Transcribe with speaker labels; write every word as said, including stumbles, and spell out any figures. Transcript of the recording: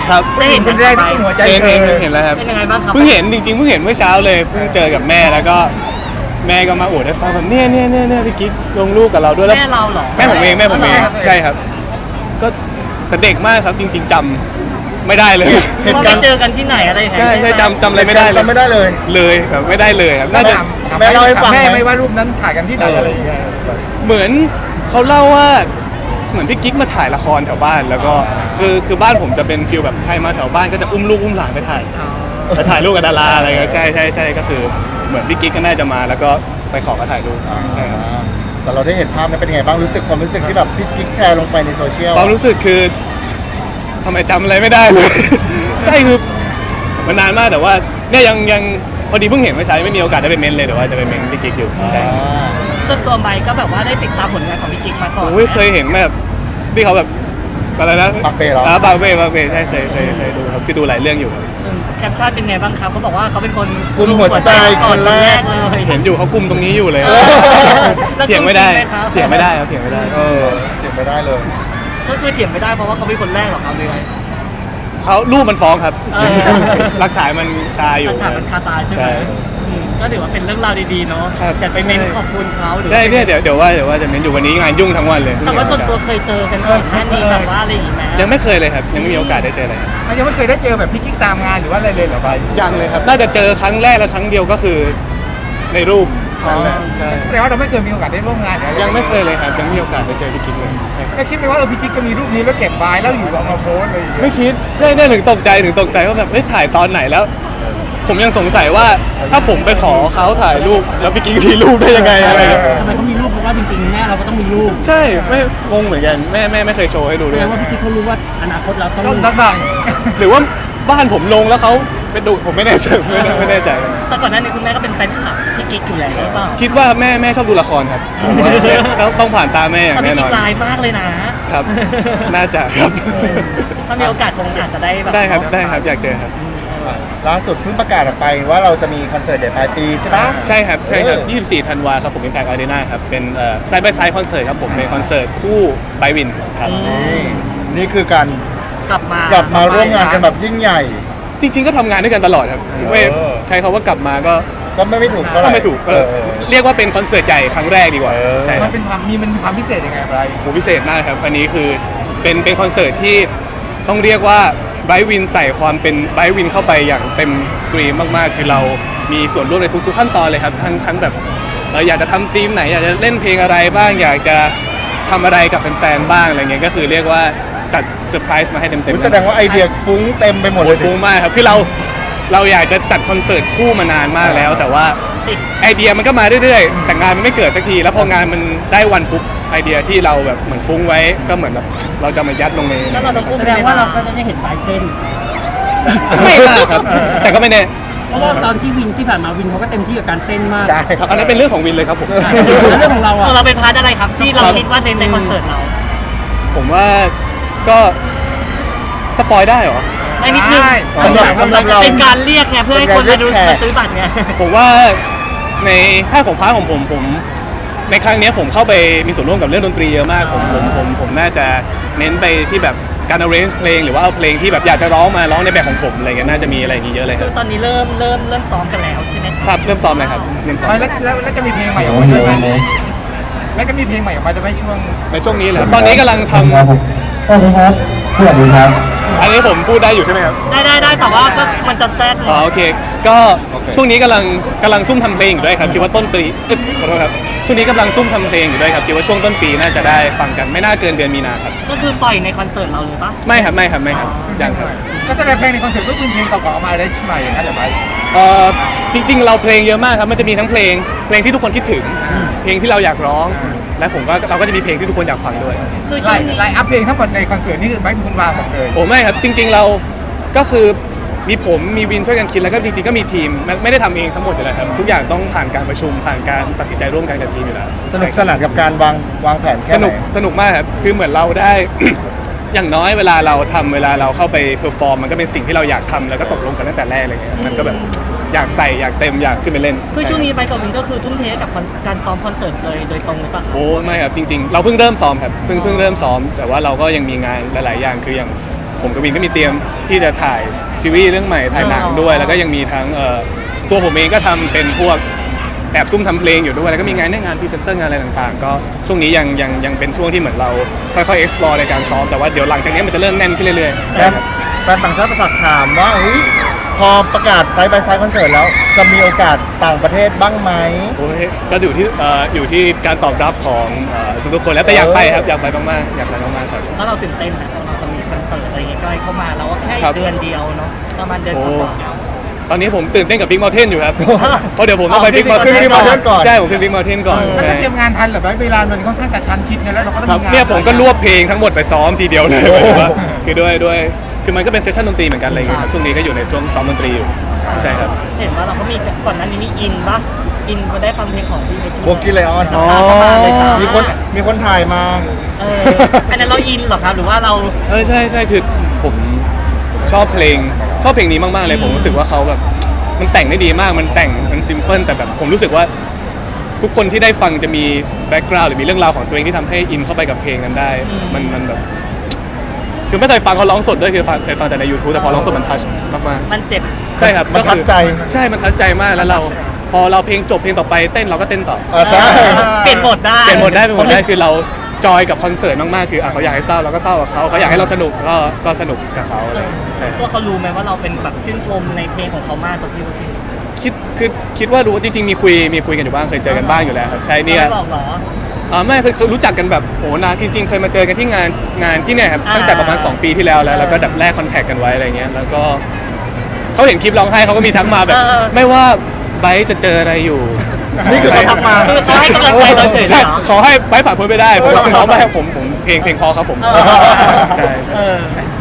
Speaker 1: ครับ
Speaker 2: ได้เห็นคนแรกที่ตุ้มหัวใจ
Speaker 1: เห็น
Speaker 2: เธ
Speaker 1: เห็น
Speaker 2: อ
Speaker 1: เห็นแล้วครับ
Speaker 2: เป็นยังไงบ้างครับ
Speaker 1: เพิ่งเห็นจริงๆเพิ่งเห็นเมื่อเช้าเลยเพิ่งเจอกับแม่แล้วก็แม่ก็มาอวดให้ฟังแบบเนี่ยเนี่ยเนี่ยเนี่ยพี่กิ๊กลงรูปกับเราด้วยแล้ว
Speaker 2: แม่เราเหรอ
Speaker 1: แม่ผมเองแม่ผมเอง
Speaker 2: อ๋อเหรอ
Speaker 1: ใช่ครับก็แต่เด็กมากครับจริง ๆจำไม่ได้เลย
Speaker 2: เพราะไปเจอกันที่ไหนอะไรยังไง
Speaker 1: ใช่ใช่จำจำอะไรไม่ได้เลย
Speaker 3: จำไม่ได้เลย
Speaker 1: เลยแบบไม่ได้เลยครับน่าจะ
Speaker 3: แม่เล่าให้ฟังไหม
Speaker 2: แม่ไม่ว่ารูปนั้นถ่ายกันที่ไหนอะไรอย่างเงี้ย
Speaker 1: เหมือนเขาเล่าว่าเหมือนพี่กิ๊กมาถ่ายละครแถวบ้านแล้วก็คือคือบ้านผมจะเป็นฟิลแบบใครมาแถวบ้านก็จะอุ้มลูกอุ้มหลานไปถ่ายไปถ่ายรูปกับดาราอะไรเงี้ยใช่ใช่ใช่ก็คือเหมือนพี่กิ๊กก็น่าจะมาแล้วก็ไปขอมาถ่ายรูปใช่ครับ
Speaker 3: แต่เราได้เห็นภาพนั้นเป็นยังไงบ้างรู้สึกความรู้สึกที่แบบพี่กิ๊กแชร์ลงไปในโซเชียล
Speaker 1: ความรู้สึกคือทำไมจำอะไรไม่ได้เลย ใช่คือมันนานมากแต่ว่าเนี่ยยังยังพอดีเพิ่งเห็นเมื่อเช้าไม่มีโอกาสได้ไปเมนเลยแต่ว่าจะไปเมนพี่กิ๊กอยู่ใช่
Speaker 3: อ่า
Speaker 2: จนตัวไบก็แบบว่าได้ติดตามผลงานของพี่กิ๊กมาก่อน
Speaker 1: โอ้ยเคยเห็นแบบที่เขาแบบอะไรนะ
Speaker 3: ปากเป้เหรอ
Speaker 1: อ่าปากเป้ปากเป้ใช่เคยเคยเคยดูครับคือดูหลายเรื่องอยู่ครับ
Speaker 2: อืมแคปชั่นเป็นไงบ้างครับเขาบอกว่าเขาเป็นคน
Speaker 3: กุมหัวใจคนแรก
Speaker 2: เลย
Speaker 1: เห็นอยู่เขากุมตรงนี้อยู่เลย
Speaker 3: เออ
Speaker 1: เถียงไม่ได้
Speaker 2: แล้วกุมจริงไหมครับ
Speaker 1: เถียงไม่ได้ครับเถียงไม่ได้
Speaker 3: เออเจ็บไม่ได้เลย
Speaker 2: ก็คือเถียงไม่ได้เพราะว่าเขาเป็นคนแรกเหรอครับเลย
Speaker 1: เขารูปมันฟ้องครับ
Speaker 2: เออ
Speaker 1: หลักฐานมันคาอยู่
Speaker 2: หลักฐานมันคาตาใช่ไหม
Speaker 1: ใช่
Speaker 2: อืมก็ถือว่าเป็นเรื่องราวดีๆเนาะ
Speaker 1: ครับ
Speaker 2: อยากไปเม้น
Speaker 1: ใช่
Speaker 2: ขอบคุณเขาหรือ
Speaker 1: ใช่เนี่ยเดี๋ยวเดี๋ยวว่าเดี๋ยวว่าจะเม้นอยู่วันนี้งานยุ่งทั้งวันเลย
Speaker 2: แต่ว่าส่วนตัวเคยเจอกันก่อนหน้านี้แบบว่าอะไรอย่างงี้ไหม
Speaker 1: ยังไม่เคยเลยครับยังไม่มีโอกาสได้เจอเลยครับ
Speaker 2: มันยังไม่เคยได้เจอแบบพี่กิ๊กตามงานหรือว่าอะไรเลยเหรอไป
Speaker 1: ยังเลยครับน่าจะเจอครั้งแรกและครั้งเดียวก็คือในรูปนั่นแหละใช่
Speaker 2: แปลว่าเราไม่เคยมีโอกาสได้ร่วมงานหรืออะไร
Speaker 1: ยังไม่เคยเลยครับยังไม่มีโอกาสได้เจอพี่กิ๊กเลยใช่ครับ
Speaker 2: แล้วคิดไหมว่าเออพี่กิ๊กจะมีรูปนี้แล้วเก็บไว้แล้วอยู่เอามาโพสต์อะไรอย่างเงี้ย
Speaker 1: ไม่คิดใช่เนี่ยถึงตกใจถึงตกใจว่าแบบเฮ้ยถ่ายตอนไหนแล้ว ผมยังสงสัยว่าถ้าผมไปขอเขาถ่ายรูปแล้วพี่กิ๊กมีรูปได้ยังไงอะไรอย่างเงี้ย
Speaker 2: ทำไมเขามีรูปเพราะว่าจริงๆแม่เราก็ต้องมีรูป
Speaker 1: ใช่ไม่งงเหมือนกันแม่แม่ไม่เคยโชว์ให้ดู
Speaker 2: แส
Speaker 1: ด้วย
Speaker 2: ดงว่าพี่กิ๊กเขารู้ว่าอนาคตเราต้องต้องบัง
Speaker 1: หรือว่าบ้านผมลงแล้วเขาไปดูผมไม่แน่ใจไม่แน่ไม่แน่ใจ
Speaker 2: แต่ก่อนหน้านี้คุณแม่ก็เป็นแฟนคลับพี่กิ๊กอยู่แล้วหรือเปล่า
Speaker 1: คิดว่าแม่แม่ชอบดูละครครับผมว่าแล้วต้องผ่านตาแม่อย่า
Speaker 2: ตอน
Speaker 1: ง
Speaker 2: นี้
Speaker 1: แน่น
Speaker 2: กิ๊
Speaker 1: อก น
Speaker 2: ลายมากเลยนะ
Speaker 1: ครับ น่าจะครับ
Speaker 2: ถ้ามีโอกาสคงอาจจะได้แบบ
Speaker 1: ได้ครับได้ครับอยากเจอครับ
Speaker 3: ล่าสุดเพิ่งประกาศออกไปว่าเราจะมีคอนเสิร์ตเดี๋ยวปลายปีใช่ปะ
Speaker 1: ใช่ครับใช่ครับ
Speaker 3: เออ
Speaker 1: ยี่สิบสี่ธันวาครับผม Impact Arena ครับเป็นเอ่อ Side by Side Concert ครับผมเป็นคอนเสิร์ตคู่ไบวินครับ
Speaker 3: นี่นี่คือการ
Speaker 2: กลับมาก
Speaker 3: ลับมาร่วมงานกันแบบยิ่งใหญ่
Speaker 1: จริงๆก็ทำงานด้วยกันตลอดครับไม่
Speaker 3: เออ
Speaker 1: ใช้คำว่ากลับมาก็
Speaker 3: ก็ไม่ไม่ถูกเท่าไห
Speaker 1: ก็
Speaker 3: ร่
Speaker 1: ไม่ถูกเออ
Speaker 3: เออ
Speaker 1: เรียกว่าเป็นคอนเสิร์ตใหญ่ครั้งแรกดีกว่า
Speaker 3: เออ
Speaker 1: ใช่ค
Speaker 2: มั
Speaker 1: รับ
Speaker 2: นเป็นความมีมันมีความพิเศษยังไงอะไร
Speaker 1: โหพิเศษมากครับ อันนี้คือเป็นเป็นคอนเสิร์ตที่ต้องเรียกว่าไบรท์วินใส่ความเป็นไบรท์วินเข้าไปอย่างเต็มสตรีมมากๆ คือเรามีส่วนร่วมในทุกๆขั้นตอนเลยครับ ทั้งทั้งแบบเราอยากจะทำธีมไหน อยากจะเล่นเพลงอะไรบ้าง อยากจะทำอะไรกับแฟนๆบ้างอะไรเงี้ย ก็คือเรียกว่าจัดเซอร์ไพรส์มาให้เต็ม
Speaker 3: อุ๊ย
Speaker 1: ๆ
Speaker 3: แสดงว่าไอเดียฟุ้งเต็มไปหมดเล
Speaker 1: โอ้
Speaker 3: ย
Speaker 1: ยฟุ้งมากครับ คือเราเราอยากจะจัดคอนเสิร์ตคู่มานานมากแล้ว แต่ว่าไอเดียมันก็มาเรื่อยๆ แต่งานมันไม่เกิดสักที แล้วพองานมันได้วันปุ๊บไอเดียที่เราแบบเหมือนฟุ้งไว้ ก็เหมือนแบบเราจะมายัดลงใน
Speaker 2: แล้วเราต้องแสดงว่าเราก็จะได้เห็นไบเต้น
Speaker 1: ไม่มากครับ แต่ก็ไม่แน่
Speaker 4: เพราะว่าตอนที่วินที่ผ่านมาวินเขาก็เต็มที่กับการเต้นมาก
Speaker 3: ใช่
Speaker 1: ครับอันนั้นเป็นเรื่องของวินเลยครับผม
Speaker 4: แล้วเรื่องของเรา
Speaker 2: ข
Speaker 4: อ่ะ
Speaker 2: องเราเป็นพาร์ทอะไรครับที่เราคิดว่าในในคอนเสิร์ตเรา
Speaker 1: ผมว่าก็สปอยได้เหรอ
Speaker 2: ไม่นิดนึง
Speaker 3: สำหรับสำหรับเรา
Speaker 2: เป็นการเรียกไงเพื่อให้คนมาดู
Speaker 3: เป็นการเรียกแขก
Speaker 2: มาซื้อบัตรไง
Speaker 1: ผมว่าในถ้าของพาร์ทของผมผม ในครั้งเนี้ยผมเข้าไปมีส่วนร่วมกับเรื่องดนตรีเยอะมากผมผมผมผมน่าจะเน้นไปที่แบบการ arrange เพลงหรือว่าเอาเพลงที่แบบอยากจะร้องมาร้องในแบบของผมอะไรเงี้ยน่าจะมีอะไรอย่างงี้เยอะเลยค
Speaker 2: คื
Speaker 1: รับ
Speaker 2: อตอนนี้เริ่มเริ่มเริ่มซ้อมกันแล้วใช่ไหม
Speaker 1: ครับเริ่มซ้อมเลยครับเริ่มซ้อม
Speaker 2: แล้วแล้วแล้วจะมีเพลงใหม่ออกมาด้วยไหมแล้วจะมีเพลงใหม่ออกมาด้วยไหมช่วง
Speaker 1: ในช่วงนี้เลยครับตอนนี้กำลังทำ
Speaker 5: ครับผมสวัสดีครับ สวัสดีครับ
Speaker 1: อันนี้ผมพูดได้อยู่ใช่ไหมครับ
Speaker 2: ได้ได้ได้แต่ว่าก็มันจะแซด
Speaker 1: อ๋อโอเคก็ช่วงนี้กำลังกำลังซุ่มทำเพลงอยู่ด้วยครับคิดว่าต้นปีเอ้ยขอโทษครับช่วงนี้กำลังซุ่มทำเพลงอยู่ด้วยครับคิดว่าช่วงต้นปีน่าจะได้ฟังกันไม่น่าเกินเดือนมีนาครับ
Speaker 2: ก็คือปล่อยในคอนเสิร์ตเราเลยปะ
Speaker 1: ไม่ครับไม่ครับไม่ครับยังครับ
Speaker 2: ก็จะได้เพลงในคอนเสิร์ตก็เป็นเพลงเก่าๆออกมาได้ใหม่อย่างนั้นเหรอไป
Speaker 1: เอ่อจริงๆ เราเพลงเยอะมากครับ มันจะมีทั้งเพลง เพลงที่ทุกคนคิดถึง เพลงที่เราอยากร้อง และผมก็เราก็จะมีเพลงที่ทุกคนอยากฟังด้วย
Speaker 2: คือช่วงนี้ไลน์อัพเพลงทั้งหมดในคอนเสิร์ตนี่คือไม่มีคุณวางหมดเลย
Speaker 1: โอ้ไม่ครับ จริง ๆ เราก็คือมีผมมีวินช่วยกันคิดแล้วก็จริงๆ ก็มีทีมไม่ไม่ได้ทำเองทั้งหมดอยู่แล้วครับ ทุกอย่างต้องผ่านการประชุมผ่านการตัดสินใจร่วมกันกับทีมอยู่แล้ว
Speaker 3: สนุกสนานกับการวางวางแผนแค่
Speaker 1: ส
Speaker 3: ไหน
Speaker 1: นุกสนุกมากครับ คือเหมือนเราได้ อย่างน้อยเวลาเราทำเวลาเราเข้าไปเพอร์ฟอร์มมันก็เป็นสิ่งที่เราอยากทำแล้วก็ตกลงกันตั้งแต่แรกอะไรเงี้ยมันก็แบบอยากใส่อยากเต็มอยากขึ้นไปเล่น
Speaker 2: คือช่วงนี้ไปกับวินก็คือทุ่มเทกับการซ้อมคอนเสิร์ตเลยโดยตรงเลยปะครับ
Speaker 1: โอ้ไม่ครับจริงๆ เราเพิ่งเริ่มซ้อมครับเพิ่งเพิ่งเริ่มซ้อม แต่ว่าเราก็ยังมีงานหลายๆอย่างคืออย่างผมกับวินก็มีเตรียมที่จะถ่ายซีรีส์เรื่องใหม่ถ่ายหนังด้วย แล้วก็ยังมีทั้งเอ่อตัวผมเองก็ทำเป็นพวกแอบซุ่มทำเพลงอยู่ด้วยแล้วก็มีงานในงานพรีเซนเตอร์งานอะไรต่างๆ ก็ช่วงนี้ยังยังยังเป็นช่วงที่เหมือนเราค่อยๆ explore ในการซ้อมแต่ว่าเดี๋ยวหลังจากนี้มันจะเริ่มแน่นขึ้นเรื่อยๆ
Speaker 3: แฟ
Speaker 1: ใช่
Speaker 3: นแฟนต่างชาติฝากถามว่าเฮ้ยพอประกาศไซด์บายไซด์คอนเสิร์ตแล้ว จะมีโอกาสต่างประเทศบ้างไหม
Speaker 1: โอ้ยก็อยู่ที่เอ่ออยู่ที่การตอบรับของเอ่อทุกๆคนแล้วแต่อยากไปครับอยากไปมากๆอยากไปมากๆครับ
Speaker 6: แล้วเราตื่นเต้นนะเราจะมีคอนเสิร์ตอะไรอย่างเงี้ยใกล้เข้ามาเราก็แค่
Speaker 1: ครับ
Speaker 6: เดือนเดียวเนาะประมาณเดือนก
Speaker 1: โอ้
Speaker 6: ว่า
Speaker 1: ตอนนี้ผมตื่นเต้นกับ Big Mountain อยู่ครับ เพราะเดี๋ยวผมต้องไป
Speaker 6: อ๋อ
Speaker 1: Big
Speaker 6: ขึ้น
Speaker 1: Mountain
Speaker 3: Big Mountain ก่อน
Speaker 1: ใช่ผมขึ้น Big Mountain ก่อน
Speaker 2: แล้ว
Speaker 1: ใช่
Speaker 2: จะเตรียมงานทันเหรือไม่เวลามันค่อนข้างกระชั้นชิดเนี่ยแล้วเราก็ต้อง
Speaker 1: ครับ
Speaker 2: มีงาน
Speaker 1: เนี่ยผมก็รวบเพลงทั้งหมดไปซ้อมทีเดียวเลยว่าคือด้วยด้วยคือมันก็เป็นเซสชั่นดนตรีเหมือนกันอะไรอย่างเงี้ยครับช่วงนี้ก็อยู่ในช่วงซ้อมดนตรีอยู่ใช่ครับ
Speaker 6: ๆเห็นว่าเราก็มีก่อนหน้านี้มีอินปะอินมาได้ฟังเพลงของพี่เบกกี้
Speaker 3: โบกี้ไลออน
Speaker 1: อ๋อ
Speaker 6: ประมาณเลยครับ
Speaker 3: มีคนมีคนถ่ายมา
Speaker 6: เอออันนั้นเราอินเหรอครับหรือว่าเรา
Speaker 1: เออใช่ใช่คือผมชอบเพลงชอบเพลงนี้มากๆเลยผมรู้สึกว่าเขาแบบมันแต่งได้ดีมากมันแต่งมันซิมเพิลแต่แบบผมรู้สึกว่าทุกคนที่ได้ฟังจะมีแบ็กกราวด์หรือมีเรื่องราวของตัวเองที่ทำให้อินเข้าไปกับเพลงนั้นได้
Speaker 6: อืม
Speaker 1: มันมันแบบคือไม่เคยฟังเขาร้องสดด้วยคือฟังเคยฟังแต่ใน YouTube แต่พอร้องสดมันทัชมาก
Speaker 6: มันเจ็บ
Speaker 1: ๆใช่ครับ
Speaker 3: มัน
Speaker 1: ก็คือ
Speaker 3: ทัชใจ
Speaker 1: ใช่มันทัชใจมากแล้วเราพอเราเพลงจบเพลงต่อไปเต้นเราก็เต้นต่อ
Speaker 3: เออใช่
Speaker 6: เปลี่ยนบทได้
Speaker 1: เปลี่ยนหมดได้เป็นหมดได้คือเราจอยกับคอนเสิร์ตมากๆคืออ่ะเขาอยากให้เศร้าเราก็เศร้ากับเขาเขาอยากให้เราสนุกก็ก็สนุกกับเขาอะไรอย่างเงี้ยใช่
Speaker 6: ตัวเขารู้ไหมว่าเราเป็นแบบชื่นชมในเพลงของเขามากตัวพี่เบกกี้
Speaker 1: คิดคือคิดว่ารู้จริงๆมีคุยมีคุยกันอยู่บ้างเคยเจอกันบ้างอยู่แล้วครับใช่เนี่ย
Speaker 6: ไม่บอกเหรอ
Speaker 1: อ่าไม่คือคือรู้จักกันแบบโอ้นานจริงๆเคยมาเจอกันที่งานงานที่เนี่ยครับ
Speaker 6: อ่า
Speaker 1: ตั้งแต่ประมาณสองปีที่แล้วแล้วแล้วก็ดับแรกคอนแทคกันไว้อะไรเงี้ยแล้วก็เขาเห็นคลิปร้องไห้เขาก็มีทักมาแบบ ไม่ว่าไบร์ทจะเจออะไรอยู่
Speaker 3: นี่คือเขาทักมา
Speaker 6: คือเขาให้กำลังใจเราเฉยๆ
Speaker 1: ใช่
Speaker 6: เหรอ
Speaker 1: ขอให้ไบร์ทผ่านพ้นไปได้ผมว่าเขาไม่ให้ผมผมเพลงเพลงพอครับผม
Speaker 6: เออ
Speaker 1: ใช่ใช่
Speaker 6: เออ